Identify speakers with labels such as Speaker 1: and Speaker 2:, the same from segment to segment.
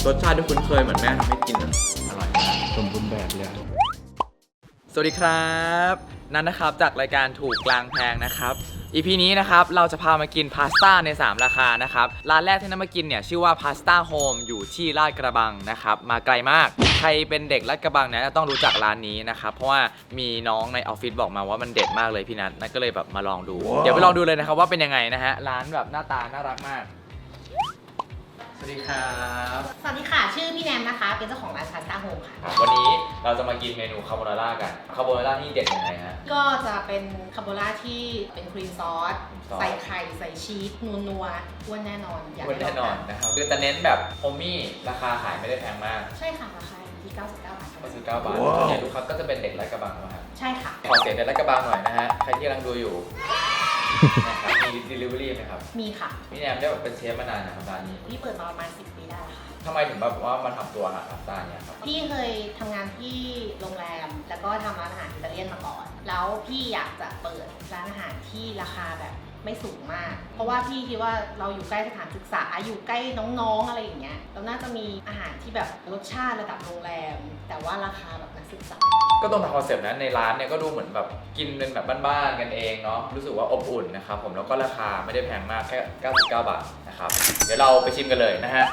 Speaker 1: รสชาติที่คุ้นเคยเหมือนแม่ทำให้กินอร่อย
Speaker 2: สมบูรณ์แบบเลย
Speaker 1: สวัสดีครับนันนะครับจากรายการถูกกลางแพงนะครับ EP นี้นะครับเราจะพามากินพาสต้าใน3ราคานะครับร้านแรกที่นันมากินเนี่ยชื่อว่าพาสต้าโฮมอยู่ที่ลาดกระบังนะครับมาไกลมากใครเป็นเด็กลาดกระบังเนี่ยต้องรู้จักร้านนี้นะครับเพราะว่ามีน้องในออฟฟิศบอกมาว่ามันเด็ดมากเลยพี่นัทนั่นก็เลยแบบมาลองดู เดี๋ยวไปลองดูเลยนะครับว่าเป็นยังไงนะฮะร้านแบบหน้าตาน่ารักมากสวัสดีครับ
Speaker 3: สวัสดีค่ะชื่อพี่แนมนะคะเป็นเจ้าของร้านพาสต้าโฮมค่ะ
Speaker 1: วันนี้เราจะมากินเมนูคาโบนาร่ากันคาโบนาร่าที่เด็ดยังไงฮะ
Speaker 3: ก็จะเป็นคาโบนาร่าที่เป็นครีมซอสใส่ไข่ใส่ชีสนัวๆอ้วนแน่นอน
Speaker 1: อ้วนแน่นอนนะครับคือจะเน้นแบบโฮมมี่ราคาขายไม่ได้แพงมาก
Speaker 3: ใช่ค่ะราคาอยู่ที่99 บาท
Speaker 1: 99 บาทเนี่ยลูกค้าก็จะเป็นเด็กลาดกระบังนะครับ
Speaker 3: ใช่ค่ะ
Speaker 1: ขอเสียงเด็กลาดกระบังหน่อยนะฮะใครที่กำลังดูอยู่นะครับมี delivery ไหมครับ
Speaker 3: มีค่ะ
Speaker 1: พี่แนมได้แบบเป็นเชฟมานานนะครับร้านนี้
Speaker 3: พี่เปิดมาประมาณ10 ปีได้ค่ะ
Speaker 1: ทำไมถึงแบบว่ามาทำตัวอาหารพาสต้าเนี่ยครับ
Speaker 3: พี่เคยทำงานที่โรงแรมแล้วก็ทำร้านอาหารอิตาเลียนมาก่อนแล้วพี่อยากจะเปิดร้านอาหารที่ราคาแบบไม่สูงมากเพราะว่าพี่คิดว่าเราอยู่ใกล้สถานศึกษาอยู่ใกล้น้องๆอะไรอย่างเงี้ยเราน่าจะมีอาหารที่แบบรสชาติระดับโรงแรมแต่ว่าราคาแบบนักศึกษา
Speaker 1: ก็ตรงตามคอนเซ็ปต์นั้นในร้านเนี่ยก็ดูเหมือนแบบกินเป็นแบบบ้านๆกันเองเนาะรู้สึกว่าอบอุ่นนะครับผมแล้วก็ราคาไม่ได้แพงมากแค่99 บาทนะครับเดี๋ยวเราไปชิมกันเลยนะฮะ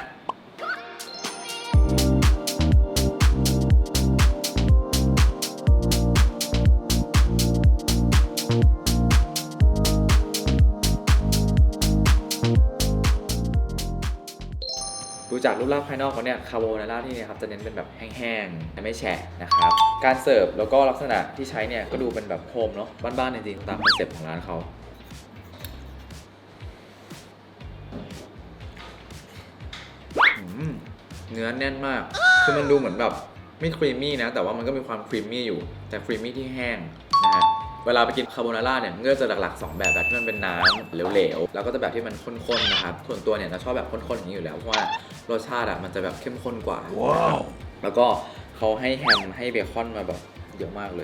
Speaker 1: ดูจากรูปร่างภายนอกเขาเนี่ยคาโบนาร่าที่นี่ครับจะเน้นเป็นแบบแห้งๆแต่ไม่แฉะนะครับการเสิร์ฟแล้วก็ลักษณะที่ใช้เนี่ยก็ดูเป็นแบบโฮมเนาะบ้านๆจริงๆตามคอนเซ็ปต์ของร้านเขาเนื้อแน่นมากคือมันดูเหมือนแบบไม่ครีมมี่นะแต่ว่ามันก็มีความครีมมี่อยู่แต่ครีมมี่ที่แห้งนะฮะเวลาไปกินคาโบนาร่าเนี่ยมันก็จะหลักๆ2แบบที่มันเป็นน้ำเหลวๆแล้วก็จะแบบที่มันข้นๆนะครับส่วนตัวเนี่ยเราชอบแบบข้นๆอย่างนี้อยู่แล้วเพราะว่ารสชาติมันจะแบบเข้มข้นกว่าแล้วก็เขาให้แฮมให้เบคอนมาแบบเยอะมากเลย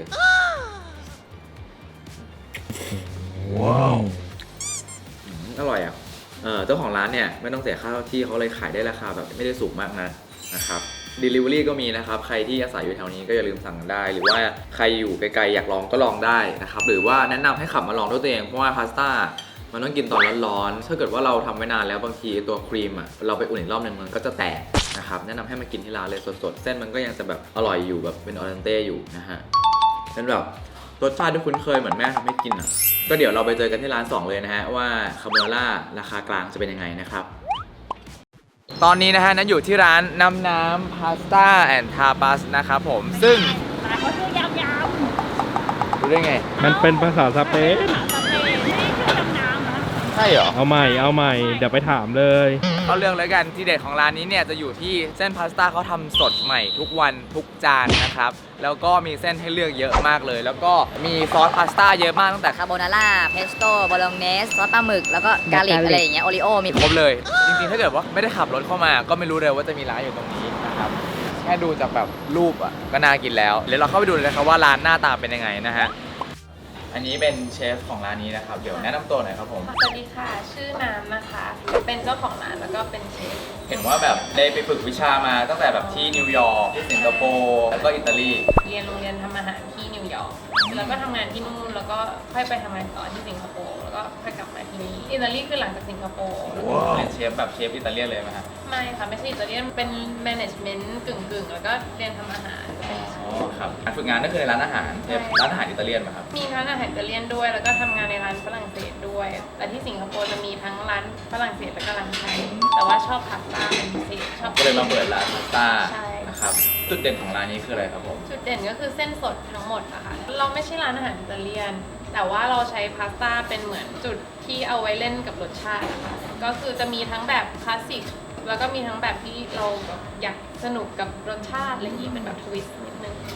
Speaker 1: ว้าวอร่อยอ่ะเจ้าของร้านเนี่ยไม่ต้องเสียค่าที่เขาเลยขายได้ราคาแบบไม่ได้สูงมากนะครับ Delivery ก็มีนะครับใครที่อาศัยอยู่แถวนี้ก็อย่าลืมสั่งได้หรือว่าใครอยู่ไกลๆอยากลองก็ลองได้นะครับหรือว่าแนะนำให้ขับมาลองด้วยตัวเองเพราะว่าพาสต้ามันต้องกินตอนร้อนๆถ้าเกิดว่าเราทำไว้นานแล้วบางทีตัวครีมเราไปอุ่นอีกรอบนึงมันก็จะแตกนะครับแนะนำให้มากินที่ร้านเลยสดๆเส้นมันก็ยังจะแบบอร่อยอยู่แบบเป็นออเดนเต้อยู่นะฮะเป็นแบบรสชาติที่คุ้นเคยเหมือนแม่ทำให้กินก็เดี๋ยวเราไปเจอกันที่ร้าน2เลยนะฮะว่าคาโบนาร่าราคากลางจะเป็นยังไงนะครับตอนนี้นะฮะนั้นอยู่ที่ร้านน้ำพาสต้าแอนด์ทาปาสนะครับผมซึ่ง
Speaker 3: ร้านเขาชื่อยาว
Speaker 1: ๆรู้ได้ไง
Speaker 2: มันเป็นภาษาสเปน
Speaker 1: ใช่เหรอ
Speaker 2: เอาใหม่เดี๋ยวไปถามเลย
Speaker 1: เอาเรื่องเลยกันที่เด็ดของร้านนี้เนี่ยจะอยู่ที่เส้นพาสต้าเขาทำสดใหม่ทุกวันทุกจานนะครับแล้วก็มีเส้นให้เลือกเยอะมากเลยแล้วก็มีซอสพาสต้าเยอะมากตั้งแต่
Speaker 4: คาโบนาร่าเพสโต้โบโลเนสซอสปลาหมึกแล้วก็กาลิกอะไรอย่างเงี้ยโอริโอมี
Speaker 1: ครบเลยจริงๆถ้าเกิดว่าไม่ได้ขับรถเข้ามาก็ไม่รู้เลยว่าจะมีร้านอยู่ตรงนี้นะครับแค่ดูจากแบบรูปก็น่ากินแล้วเดี๋ยวเราเข้าไปดูเลยครับว่าร้านหน้าตาเป็นยังไงนะฮะอันนี้เป็นเชฟของร้านนี้นะครับเดี๋ยวแนะนำตัวหน่อยครับผม
Speaker 5: สวัสดีค่ะชื่อน้ำนะคะเป็นเจ้าของร้านแล้วก็เป็นเชฟ
Speaker 1: เห็นว่าแบบได้ไปฝึกวิชามาตั้งแต่แบบที่นิวยอร์กที่สิงคโปร์แล้วก็อิตาลี
Speaker 5: เรียนโรงเรียนทำอาหารที่นิวยอร์กแล้วก็ทำงานที่นู่นแล้วก็ค่อยไปทำงานต่อที่สิงคโปร์แล้วก็ค่อยกลับมาที่นี่อิตาลีคือหลังจากสิงคโปร์
Speaker 1: เป็นเชฟแบบเชฟอิตาเลียนเลยไหมครับ
Speaker 5: ไม่ค่ะไม่ใช่อิตาเลียนเป็นแมネจเมนต์กึ่งแล้วก็เรียนทำอาหาร
Speaker 1: อ๋อครับการฝึกงานก็คือในร้านอาหารร้านอาหารอิตาเลียนไหมครับ
Speaker 5: มีร้านอาหารอิตาเลียนด้วยแล้วก็ทำงานในร้านฝรั่งเศสด้วยแต่ที่สิงคโปร์จะมีทั้งร้านฝรั่งเศสและก็ร้านไทยแต่ว่าชอบพาสต้าเป็นพิเศษชอบ
Speaker 1: ก็เลยมาเปิดร้านพาสต้านะครับจุดเด่นของร้านนี้คืออะไรครับผม
Speaker 5: จุดเด่นก็คือเส้นสดทั้งหมดอะค่ะเราไม่ใช่ร้านอาหารอิตาเลียนแต่ว่าเราใช้พาสต้าเป็นเหมือนจุดที่เอาไว้เล่นกับรสชาตินะคะก็คือจะมีทั้งแบบคลาสสิกแล้วก็มีทั้งแบบที่เราอยากสนุกกับรสชาติอะไรอย่างนี้เป็นแบบทวิสต์นิดนึง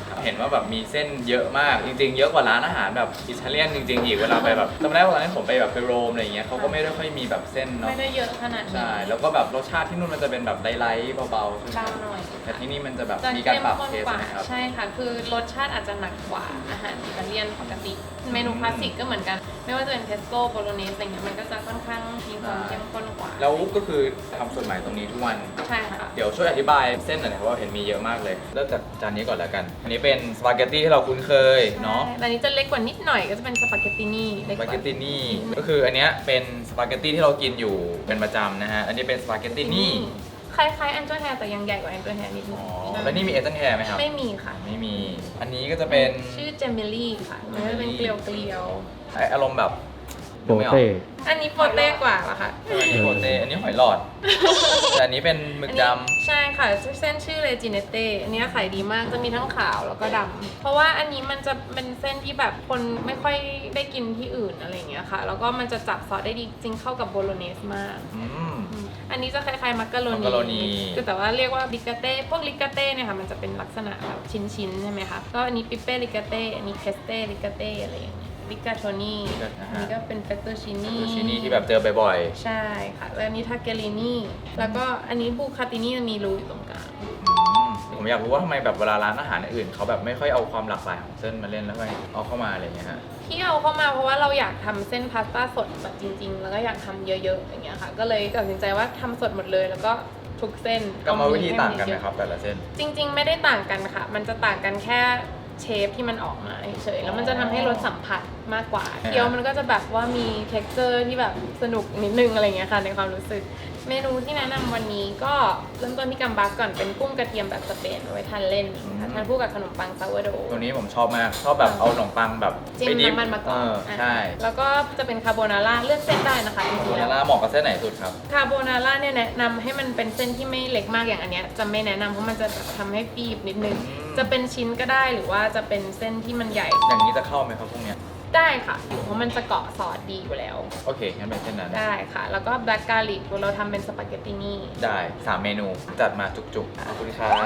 Speaker 1: เห็นว่าแบบมีเส้นเยอะมากจริงๆเยอะกว่าร้านอาหารแบบอิตาเลียนจริงๆอีกเวลาไปแบบจำได้ว่าตอนนั้นผมไปแบบไปโรมอะไรอย่างเงี้ยเขาก็ไม่ได้ค่อยมีแบบเส้นเนาะ
Speaker 5: ไม่ได้เยอะขนาดนี้
Speaker 1: ใช่แล้วก็แบบรสชาติที่นู่นมันจะเป็นแบบไลท์ๆเบาๆใช่ไหม
Speaker 5: เบาหน่อย
Speaker 1: แต่ที่นี่มันจะแบบ
Speaker 5: จะ
Speaker 1: มีการ
Speaker 5: เข้ม
Speaker 1: ปรับ
Speaker 5: ข้น
Speaker 1: เทส
Speaker 5: กว่า
Speaker 1: นะครับ
Speaker 5: ใช่ค่ะ คือรสชาติอาจจะหนักกว่าอาหารอิตาเลียนปกติ เมนูคลาสสิกก็เหมือนกัน ไม่ว่าจะเป็นเพสโต้โบโลเนสอะไรเงี้ยมันก็จะค่อนข้างมีความเข้มข้นกว่า
Speaker 1: แล้วก็คือทำสดใหม่ตรงนี้ทุกวัน
Speaker 5: ใช่ค่ะ
Speaker 1: เดี๋ยวช่วยอธิบายเส้นหน่อยนะเพราะว่าเห็นมีเยอะมากเลยเริ่มจากจานนี้ก่อนแล้วกัน อันนี้เป็นสปาเกตตี้ที่เราคุ้นเคยเนาะ
Speaker 5: ใช่แต่อันนี้จะเล็กกว่านิดหน่อยก็จะเป็นสปาเกตตินี่เล็
Speaker 1: ส
Speaker 5: กก
Speaker 1: ปา
Speaker 5: ว่า
Speaker 1: เกตตินี่ก็คืออันเนี้ยเป็นสปาเกตตี้ที่เรากินอยู่เป็นประจำนะฮะอันนี้เป็นสปาเกตตินี่
Speaker 5: คล้ายๆแอนเจอร์แฮร์แต่ยังใหญ่กว่าแอนเจอร์แฮร์นิดนึ
Speaker 1: อ๋
Speaker 5: ง
Speaker 1: อแล้วนี่มีเอเจนแฮร์ไหมครับ
Speaker 5: ไม่มีค่ะ
Speaker 1: ไม่มีอันนี้ก็จะเป็น
Speaker 5: ชื่อเจมิลี่ค่ะ มันก็จะเป็นเกลียว
Speaker 1: อารมณ์แบบ
Speaker 2: โปเต้
Speaker 5: ๆอันนี้โปเต้กว่าป่ะคะ
Speaker 1: อันนี้โปเต้อันนี้หอยหลอด แต่อันนี้เป็นหมึกดำ
Speaker 5: ใช่ค่ะเส้นชื่อเลจิเนเต้อันนี้ขายดีมากจะมีทั้งขาวแล้วก็ดำเพราะว่าอันนี้มันจะเป็นเส้นที่แบบคนไม่ค่อยได้กินที่อื่นอะไรอย่างเงี้ยค่ะ แล้วก็มันจะจับซอสได้ดีจริงเข้ากับโบโลเนสมาก
Speaker 1: อืม
Speaker 5: อันนี้จะคล้ายๆมักกะโร
Speaker 1: มักกะโรนี
Speaker 5: นีคือแต่ว่าเรียกว่าลิกาเต้พวกลิกาเต้เนี่ยค่ะมันจะเป็นลักษณะแบบชิ้นๆใช่ไหมคะก็อันนี้ปิเป้ลิกาเต้อันนี้เพสเต้ลิกาเต้อะไรอย่างเงี้ยลิกาโทนี่อันนี้ก็เป็นเฟตตูชินี่
Speaker 1: ซูชินี่ที่แบบเจอบ่อย
Speaker 5: ใช่ค่ะแล้วอันนี้ทาเกลินี่แล้วก็อันนี้บูคาตินี่มีรูอยู่ตรงกลาง
Speaker 1: ๆผมอยากรู้ว่าทำไมแบบเวลาร้านอาหารอื่นเขาแบบไม่ค่อยเอาความหลากหลายของเส้นมาเล่นแล้วก็เอาเข้ามาอะไรอย่างเงี้ยฮะ
Speaker 5: ที่เอาเข้ามาเพราะว่าเราอยากทำเส้นพาสต้าสดแบบจริง ๆ แล้วก็อยากทำเยอะๆอย่างเงี้ยค่ะก็เลยตัดสินใจว่าทำสดหมดเลยแล้วก็ทุกเส้น
Speaker 1: กรรมวิธีต่างกันไหมครับแต่ละเส้น
Speaker 5: จริง ๆ ไม่ได้ต่างกันค่ะ มันจะต่างกันแค่เชฟที่มันออกมาเฉยๆแล้วมันจะทำให้รสสัมผัสมากกว่าเคี้ยวมันก็จะแบบว่ามี texture ที่แบบสนุกนิดนึงอะไรเงี้ยค่ะในความรู้สึกเมนูที่แนะนำวันนี้ก็เริ่มต้นที่กัมบัสก่อนเป็นกุ้งกระเทียมแบบสเปนเอาไว้ทานเล่นค่ะทานคู่กับขนมปังซาวโด
Speaker 1: ตัวนี้ผมชอบมากชอบแบบเอาขนมปังแบบ
Speaker 5: จิ้ม
Speaker 1: ไปดิฟ
Speaker 5: น้ำมันมาก่อน
Speaker 1: ใช่
Speaker 5: แล้วก็จะเป็นคาโบนาร่าเลือกเส้นได้นะคะจ
Speaker 1: โบ
Speaker 5: ริงๆ
Speaker 1: นา
Speaker 5: แล้ว
Speaker 1: ร่าเหมาะกับเส้นไหนสุดครับ
Speaker 5: คาโบนาร่าเนี่ยแนะนำให้มันเป็นเส้นที่ไม่เล็กมากอย่างอันเนี้ยจะไม่แนะนำเพราะมันจะแบบทำให้ฟีบนิดนึง จะเป็นชิ้นก็ได้หรือว่าจะเป็นเส้นที่มันใหญ่
Speaker 1: อย่างนี้จะเข้าไหมครับพวกเนี้ย
Speaker 5: ได้ค่ะอยู่เพราะมันจะเกาะซอสดีอยู่แล้ว
Speaker 1: โอเคงั้นเป็นเส้นนั้น
Speaker 5: ได้ค่ะ แล้วก็แบล็กกาลิกเราทำเป็นสปาเกตตินี่
Speaker 1: ได้3เมนูจัดมาจุกๆขอบคุณครับ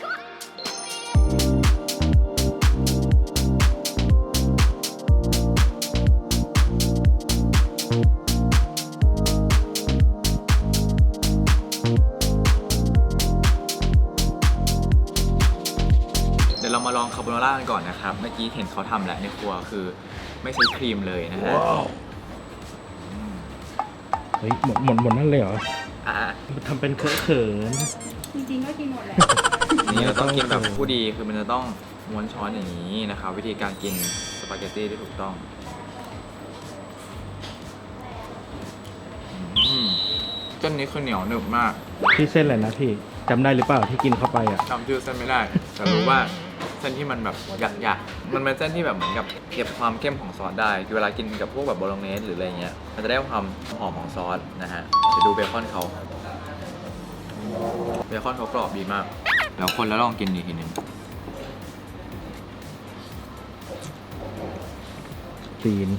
Speaker 1: เดี๋ยวเรามาลองคาโบนาร่ากันก่อนนะครับ เมื่อกี้เห็นเขาทำแล้วในครัวคือไม่ใช้ครีมเลยนะฮะ
Speaker 2: เฮ้ยหมดนั่นเลยเหรอ
Speaker 1: อ่ะ
Speaker 2: ทำเป็นเคอะเขิน
Speaker 6: จริงๆก็กินหมดแหละ
Speaker 1: นี่เราต้องกินแบบผู้ดีคือมันจะต้องม้วนช้อนอย่างนี้นะครับ วิธีการกินสปาเกตตี้ที่ถูกต้องเส้นนี้คือเหนียวหนึบมาก
Speaker 2: พี่เส้นอะไรนะพี่จำได้หรือเปล่าที่กินเข้าไปอ่ะ
Speaker 1: จำชื่อเส้นไม่ได้ แต่รู้ว่าเส้นที่มันแบบหยักๆมันเป็นเส้นที่แบบเหมือนกับเก็บความเข้มของซอสได้คือเวลากินกับพวกแบบโบโลเนสหรืออะไรเงี้ยมันจะได้ความหอมของซอสนะฮะเดี๋ยวดูเบคอนเขาเบคอนเขากรอบดีมากแล้วคนแล้วลองกินอีกทีหนึง
Speaker 2: ซีน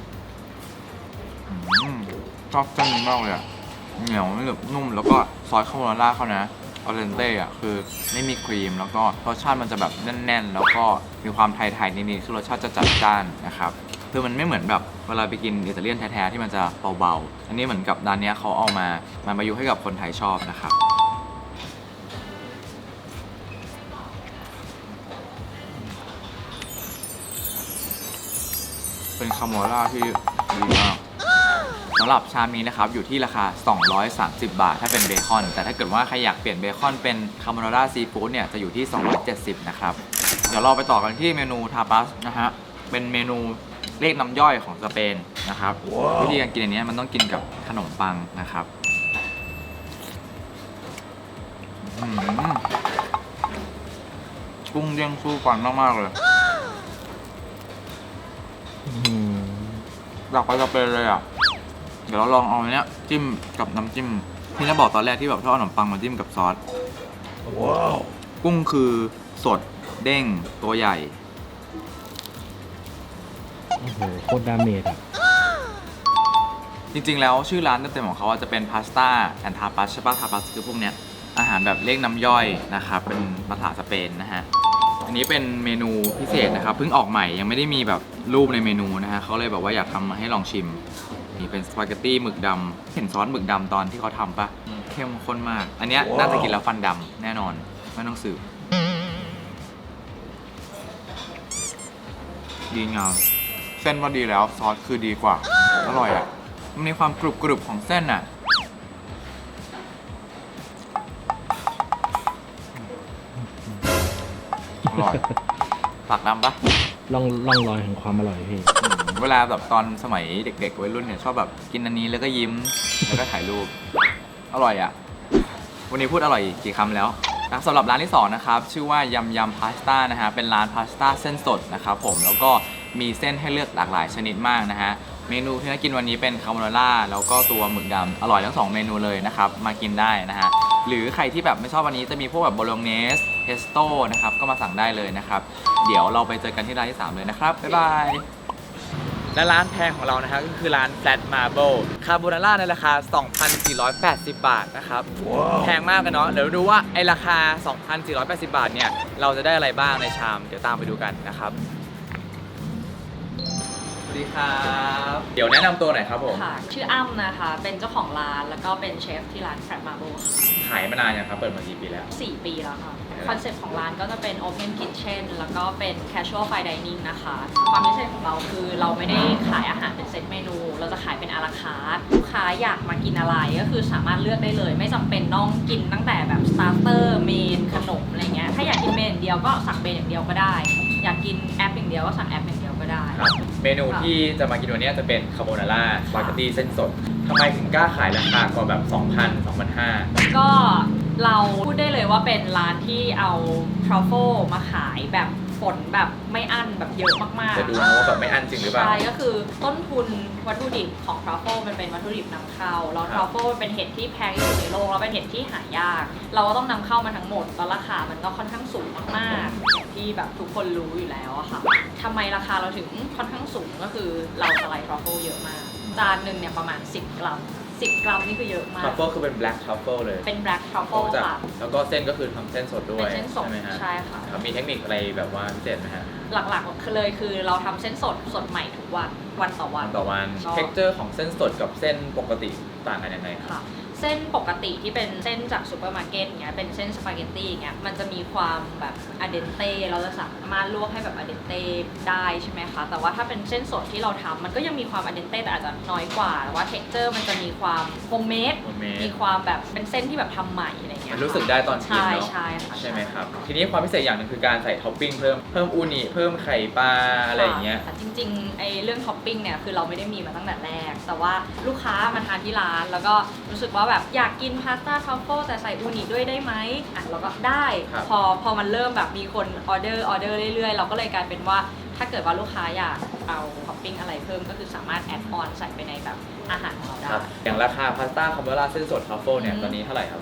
Speaker 1: ชอบเส้นนี้มากเลยอ่ะเหนียวหนึบนุ่มแล้วก็ซอสคาโบนาร่าเขานะออเรนเต้อ่ะคือไม่มีครีมแล้วก็รสชาติมันจะแบบแน่นๆ แล้วก็มีความไทยๆนิดๆคือรสชาติจะจัดจ้านนะครับคือมันไม่เหมือนแบบเวลาไปกินอิตาเลียนแท้ๆที่มันจะเบาๆอันนี้เหมือนกับร้านนี้เขาเอามาประยุกต์ให้กับคนไทยชอบนะครับเป็นคาโบนาร่าที่ดีมากสำหรับชามนี้นะครับอยู่ที่ราคา230 บาทถ้าเป็นเบคอนแต่ถ้าเกิดว่าใครอยากเปลี่ยนเบคอนเป็นคาโบนาร่าซีฟู้ดเนี่ยจะอยู่ที่270นะครับเดี๋ยวเราไปต่อกันที่เมนูทาปาสนะฮะเป็นเมนูเรียกน้ำย่อยของสเปนนะครับวิธีการกินอันนี้มันต้องกินกับขนมปังนะครับกุ้งเด้งสู้ฟันมากๆเลยอยากไปสเปนเลยอ่ะเดี๋ยวเราลองเอาอันเนี้ยจิ้มกับน้ำจิ้มที่จะบอกตอนแรกที่แบบชอบเอาขนมปังมาจิ้มกับซอสกุ้งคือสดเด้งตัวใหญ่
Speaker 2: โอ้โหโคตรดาเมจอ่ะ
Speaker 1: จริงๆแล้วชื่อร้านเต็มๆของเขาจะเป็นพาสต้าแอนทาปัสใช่ปะทาปัสคือพวกเนี้ยอาหารแบบเรียกน้ำย่อยนะครับเป็นภาษาสเปนนะฮะอันนี้เป็นเมนูพิเศษนะครับเพิ่งออกใหม่ยังไม่ได้มีแบบรูปในเมนูนะฮะเขาเลยแบบว่าอยากทำมาให้ลองชิมนี่เป็นสปาเกตตี้หมึกดำเห็นซอสหมึกดำตอนที่เขาทำปะเข้มข้นมาก อันเนี้ยน่าจะกินแล้วฟันดำแน่นอนไม่ต้องสืบดีงามเส้นว่าดีแล้วซอสคือดีกว่าอร่อยอ่ะมันมีความกรุบของเส้นอ่ะอร่อยปากดำปะ
Speaker 2: ล่องรอยแห่งความอร่อยพี่
Speaker 1: เวลาแบบตอนสมัยเด็กๆวัยรุ่นเนี่ยชอบแบบกินอันนี้แล้วก็ยิ้ม แล้วก็ถ่ายรูป อร่อยอ่ะ วันนี้พูดอร่อยกี่คำแล้วนะสำหรับร้านที่2นะครับชื่อว่ายำยำพาสต้านะฮะเป็นร้านพาสต้าเส้นสดนะครับผมแล้วก็มีเส้นให้เลือกหลากหลายชนิดมากนะฮะเมนูที่น่ากินวันนี้เป็นคาโบนาร่าแล้วก็ตัวหมึกดำอร่อยทั้ง2เมนูเลยนะครับมากินได้นะฮะหรือใครที่แบบไม่ชอบวันนี้จะมีพวกแบบโบโลเนสเพสโต้นะครับก็มาสั่งได้เลยนะครับเดี๋ยวเราไปเจอกันที่ร้านที่3เลยนะครับบ๊ายบายและร้านแพงของเรานะฮะก็คือร้าน Flat Marble คาโบนาร่าในราคา 2,480 บาทนะครับ แพงมากกันเนาะเดี๋ยวดูว่าไอราคา 2,480 บาทเนี่ยเราจะได้อะไรบ้างในชามเดี๋ยวตามไปดูกันนะครับสวัสดีครับเดี๋ยวแนะนำตัวหน่อยครับผม
Speaker 7: ค่ะ ชื่ออ้ำนะคะ เป็นเจ้าของร้าน แล้วก็เป็นเชฟที่ร้าน Flat Marble ค่ะ
Speaker 1: ขายมานานยังครับเปิดมากี่ปีแล้ว
Speaker 7: 4 ปีแล้วค่ะ คอนเซ็ปต์ของร้านก็จะเป็น Open Kitchen แล้วก็เป็น Casual Fine Dining นะคะ ความพิเศษของเราคือเราไม่ได้ขายอาหารเป็นเซตเมนู เราจะขายเป็นอาราคาร์ทลูกค้าอยากมากินอะไรก็คือสามารถเลือกได้เลย ไม่จำเป็นต้องกินตั้งแต่แบบ starter เมนขนมอะไรเงี้ย ถ้าอยากกินเมนอย่างเดียวก็สั่งเมนอย่างเดียวก็ได้ อยากกินแอปอย่างเดียวก็สั่งแอปอย่างเดียวก็ได้
Speaker 1: ครับเมนูที่จะมากินวันนี้จะเป็นคาโบนาร่าสปาเกตตี้เส้นสดทำไมถึงกล้าขายราคากว่าแบบ 2,000 2,500
Speaker 7: ก็เราพูดได้เลยว่าเป็นร้านที่เอาทรัฟเฟิลมาขายแบบฝนแบบไม่อั้นแบบเยอะมากๆ
Speaker 1: จะดูนะว่าแบบไม่อั้นจริงหรือเปล่า
Speaker 7: ใช่ก็คือต้นทุนวัตถุดิบของทรัฟเฟิลมันเป็นวัตถุดิบนำเข้าแล้วทรัฟเฟิลเป็นเห็ดที่แพงที่สุดในโลกแล้วเป็นเห็ดที่หายาก เราก็ต้องนำเข้ามาทั้งหมดแล้วราคามันก็ค่อนข้างสูงมากๆอย่างที่แบบทุกคนรู้อยู่แล้วอะค่ะทำไมราคาเราถึงค่อนข้างสูงก็คือเราสไลด์ทรัฟเฟิลเยอะมากจานหนึ่งเนี่ยประมาณ10 กรัม 10 กรัมนี่คือเยอะมา
Speaker 1: ทรั
Speaker 7: ก
Speaker 1: ฟเฟิลคือเป็น black truffle เลย
Speaker 7: เป็น black truffle
Speaker 1: จาก
Speaker 7: ค่ะ
Speaker 1: แล้วก็เส้นก็คือทำเส้นสดด้วย
Speaker 7: เป็นเส้นสด
Speaker 1: ใช่ไหมฮะ
Speaker 7: ใช่ค่ะ
Speaker 1: ครับมีเทคนิคอะไรแบบว่าพิเศษไหมฮะ
Speaker 7: หลักๆเลยคือเราทำเส้นสดใหม่ทุกวันวันต่อวัน
Speaker 1: ต่อวัน
Speaker 7: ชอบ
Speaker 1: เท็กเจอร์ของเส้นสดกับเส้นปกติต่างกันยังไงครับ
Speaker 7: ค่ะ เส้นปกติที่เป็นเส้นจากซูเปอร์มาร์เก็ตเงี้ยเป็นเส้นสปาเกตตี้เงี้ยมันจะมีความแบบอะเดนเต้เราจะสามารถลวกให้แบบอะเดนเต้ได้ใช่ไหมคะแต่ว่าถ้าเป็นเส้นสดที่เราทำมันก็ยังมีความอะเดนเต้แต่อาจจะน้อยกว่าแต่ว่าเท็กเจอร์มันจะมีความโฮมเมด
Speaker 1: homemade
Speaker 7: มีความแบบเป็นเส้นที่แบบทำใหม่อะไรเงี้ย
Speaker 1: มันรู้สึกได้ตอนกิน
Speaker 7: ใช่
Speaker 1: เนาะ
Speaker 7: ใช่ค่ะ
Speaker 1: ใช่ไหมครับ ทีนี้ความพิเศษอย่างหนึ่งคือการใส่ท็อปปิ้งเพิ่มอูนิเพิ่มไข่ปลาอะไรอย่างเงี้ย
Speaker 7: ค่ะจริงๆไอ้เรื่องท็อปปิ้งเนี่ยคือเราไม่ได้มีมาตั้งแต่แรก แต่ว่าลูกค้ามาทานที่ร้านแล้วก็รู้สึกว่าแบบอยากกินพาสต้าทรัฟเฟิลแต่ใส่อูนิด้วยได้ไหมอ่ะเราก็ได้
Speaker 1: ครับ
Speaker 7: พอมันเริ่มแบบมีคนออเดอร์เรื่อยๆ เราก็เลยกลายเป็นว่าถ้าเกิดว่าลูกค้าอยากเอาท็อปปิ้งอะไรเพิ่มก็คือสามารถแอดออนใส่ไปในแบบอาหารของเราได้
Speaker 1: ครับอย่างราคาพาสต้าคาโบนาร่าเส้นสดทรัฟเฟิลเนี่ยตอนนี้เท่าไหร่ครับผม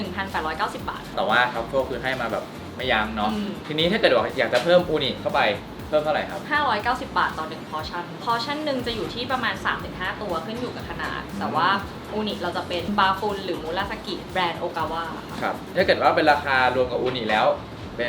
Speaker 7: 1,890 บาท
Speaker 1: แต่ว่าทรัฟเฟิลคือให้มาแบบไม่ยั้งเนาะ
Speaker 7: อืม
Speaker 1: ทีนี้ถ้าเกิดว่าอยากจะเพิ่มอูนิเข้าไปเพิ่มเท่าไหร่ครับ
Speaker 7: 590 บาทต่อ1พอชั่น พอชั่นหนึ่งจะอยู่ที่ประมาณ 3-5 ตัวขึ้นอยู่กับขนาด แต่ว่าอูนิเราจะเป็นบาฟุนหรือมูราสกิแบรนด์โอกาวะค่ะ
Speaker 1: ครับ ถ้าเกิดว่าเป็นราคารวมกับอูนิแล้วเป็น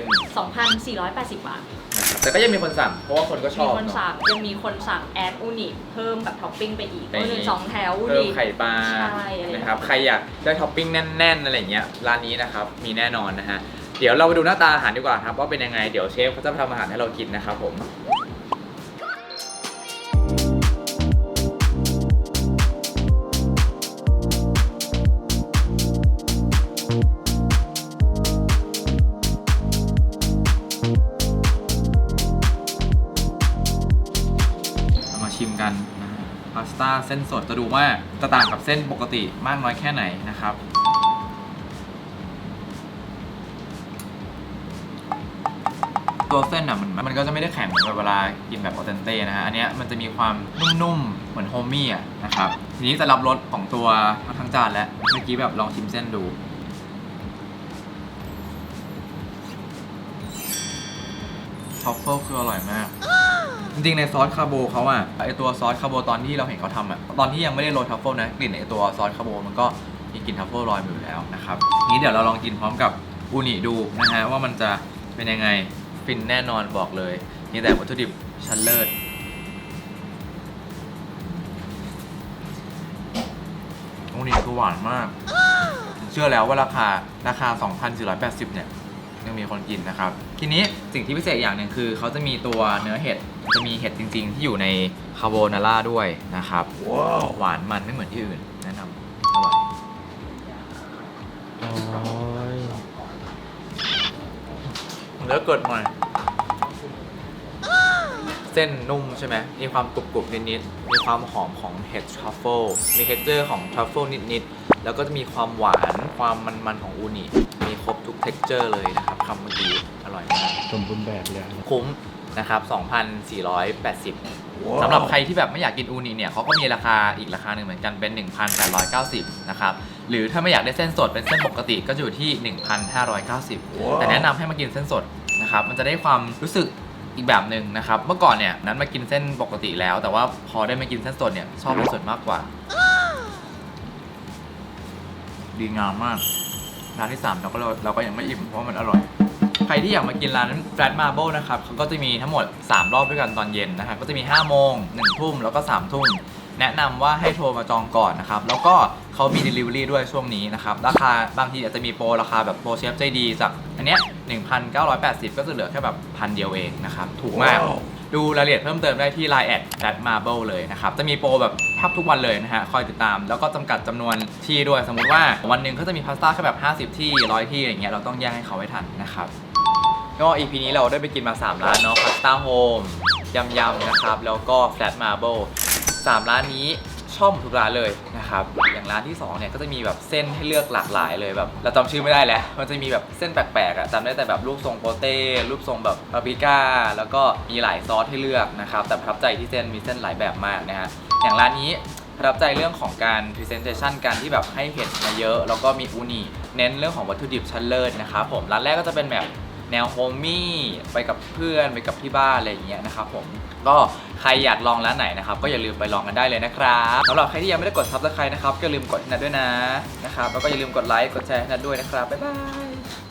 Speaker 7: 2,480 บาท
Speaker 1: นะครับแต่ก็ยังมีคนสั่งเพราะว่าคนก็ช
Speaker 7: มี
Speaker 1: อบ
Speaker 7: คน
Speaker 1: เนาะ
Speaker 7: สั่งยังมีคนสั่งแอดอูนิเพิ่มแบบท็อปปิ้งไปอีก
Speaker 1: ไปอีก
Speaker 7: ก็คือ2แถวอู
Speaker 1: เพิ่ม
Speaker 7: นิ
Speaker 1: ไข่ปลา
Speaker 7: ใช่อะไร
Speaker 1: นะครับ ใครอยากได้ท็อปปิ้งแน่นๆอะไรอย่างเงี้ยร้านนี้นะครับมีแน่นอนนะฮะ เดี๋ยวเราไปดูหน้าตาอาหารดีกว่าครับว่าเป็นยังไงเดี๋ยวเชฟเขาจะทำอาหารให้เรากินนะครับผม เรามาชิมกันนะฮะพาสต้าเส้นสดจะดูว่าจะต่างกับเส้นปกติมากน้อยแค่ไหนนะครับ ตัวเส้นอ่ะมันก็จะไม่ได้แข็งเหมือนเวลากินแบบออเทนเต้นะฮะอันเนี้ยมันจะมีความนุ่มๆเหมือนโฮมมี่อ่ะนะครับทีนี้จะรับรสของตัวทั้งจานแล้วเมื่อกี้แบบลองชิมเส้นดูทรัฟเฟิลคืออร่อยมาก จริงๆในซอสคาโบเขาอะไอตัวซอสคาโบตอนที่เราเห็นเขาทำอะตอนที่ยังไม่ได้โรยทรัฟเฟิลนะกลิ่นไอตัวซอสคาโบมันก็มีกลิ่นทรัฟเฟิลลอยมาอยู่แล้วนะครับนี้เดี๋ยวเราลองกินพร้อมกับอูนิดูนะฮะว่ามันจะเป็นยังไงฟินแน่นอนบอกเลยมีแต่วัตถุดิบชั้นเลิศอูนิคือหวานมากเชื่อแล้วว่าราคา 2,480 เนี่ยยังมีคนกินนะครับทีนี้สิ่งที่พิเศษอย่างหนึ่งคือเขาจะมีตัวเนื้อเห็ดจะมีเห็ดจริงๆ ที่อยู่ในคาโบนาร่าด้วยนะครับหวานมันไม่เหมือนที่อื่นแนะนำอร่อย
Speaker 2: โอ้ย
Speaker 1: แล้วเกิดใหม่เส้นนุ่มใช่ไหมมีความกรุบๆนิดๆมีความหอมของเห็ดทรัฟเฟิลมีเท็กเจอร์ของทรัฟเฟิลนิดๆแล้วก็จะมีความหวานความมันๆของอูนิมีครบทุกเท็กเจอร์เลยนะครับคำเมื่อกี้อร่อยมาก
Speaker 2: สมบูรณ์แบบเลย
Speaker 1: คุ้มนะครับ 2,480 สำหรับใครที่แบบไม่อยากกินอูนิเนี่ยเขาก็มีราคาอีกราคาหนึ่งเหมือนกันเป็น 1,890 นะครับหรือถ้าไม่อยากได้เส้นสดเป็นเส้นปกติก็จะอยู่ที่ 1,590 แต่แนะนำให้มากินเส้นสดนะครับมันจะได้ความรู้สึกอีกแบบหนึ่งนะครับเมื่อก่อนเนี่ยนั้นมากินเส้นปกติแล้วแต่ว่าพอได้มากินเส้นสดเนี่ยชอบเส้นสดมากกว่าดีงามมากร้านที่ 3 เราก็ยังไม่อิ่มเพราะมันอร่อยใครที่อยากมากินร้าน Flat Marble นะครับเขาก็จะมีทั้งหมด3รอบด้วยกันตอนเย็นนะครับก็จะมี5โมง1ทุ่มแล้วก็3ทุ่มแนะนำว่าให้โทรมาจองก่อนนะครับแล้วก็เขามี Delivery ด้วยช่วงนี้นะครับราคาบางทีอาจจะมีโปรราคาแบบโปรเชฟใจดีจากอันเนี้ย 1,980 ก็จะเหลือแค่แบบ1,000 เดียวเองนะครับถูกมาก ดูรายละเอียดเพิ่มเติมได้ที่ Line Flat Marble เลยนะครับจะมีโปรแบบแทบทุกวันเลยนะฮะคอยติดตามแล้วก็จำกัดจำนวนที่ด้วยสมมุติว่าวันหนึ่งเขาจะมีพาสต้าแค่แบบ50 ที่100 ที่อย่างเงี้ยเราต้องแย่งให้เขาไว้ทันนะครับก็ EP นี้เราได้ไปกินมา3ร้านเนาะพาสต้าโฮมยำนะครับแล้วก็ Flat Marble 3 ร้านนี้ชอบทุกร้านเลยนะครับอย่างร้านที่2เนี่ยก็จะมีแบบเส้นให้เลือกหลากหลายเลยแบบเราจำชื่อไม่ได้แล้วมันจะมีแบบเส้นแปลกๆอ่ะจำได้แต่แบบรูปทรงโปเต้รูปทรงแบบปาปริก้าแล้วก็มีหลายซอสให้เลือกนะครับแต่ประทับใจที่เส้นมีเส้นหลายแบบมากนะฮะอย่างร้านนี้ประทับใจเรื่องของการ presentation การที่แบบให้เห็ดมาเยอะแล้วก็มีอูนิเน้นเรื่องของวัตถุดิบชั้นเลิศนะครับผมร้านแรกก็จะเป็นแบบแนวโฮมมี่ไปกับเพื่อนไปกับที่บ้านอะไรอย่างเงี้ยนะครับผมก็ใครอยากลองร้านไหนนะครับก็อย่าลืมไปลองกันได้เลยนะครับสำหรับใครที่ยังไม่ได้กด Subscribe นะครับก็อย่าลืมกดให้นัดด้วยนะครับแล้วก็อย่าลืมกดไลค์กดแชร์ให้นัดด้วยนะครับบ๊ายบาย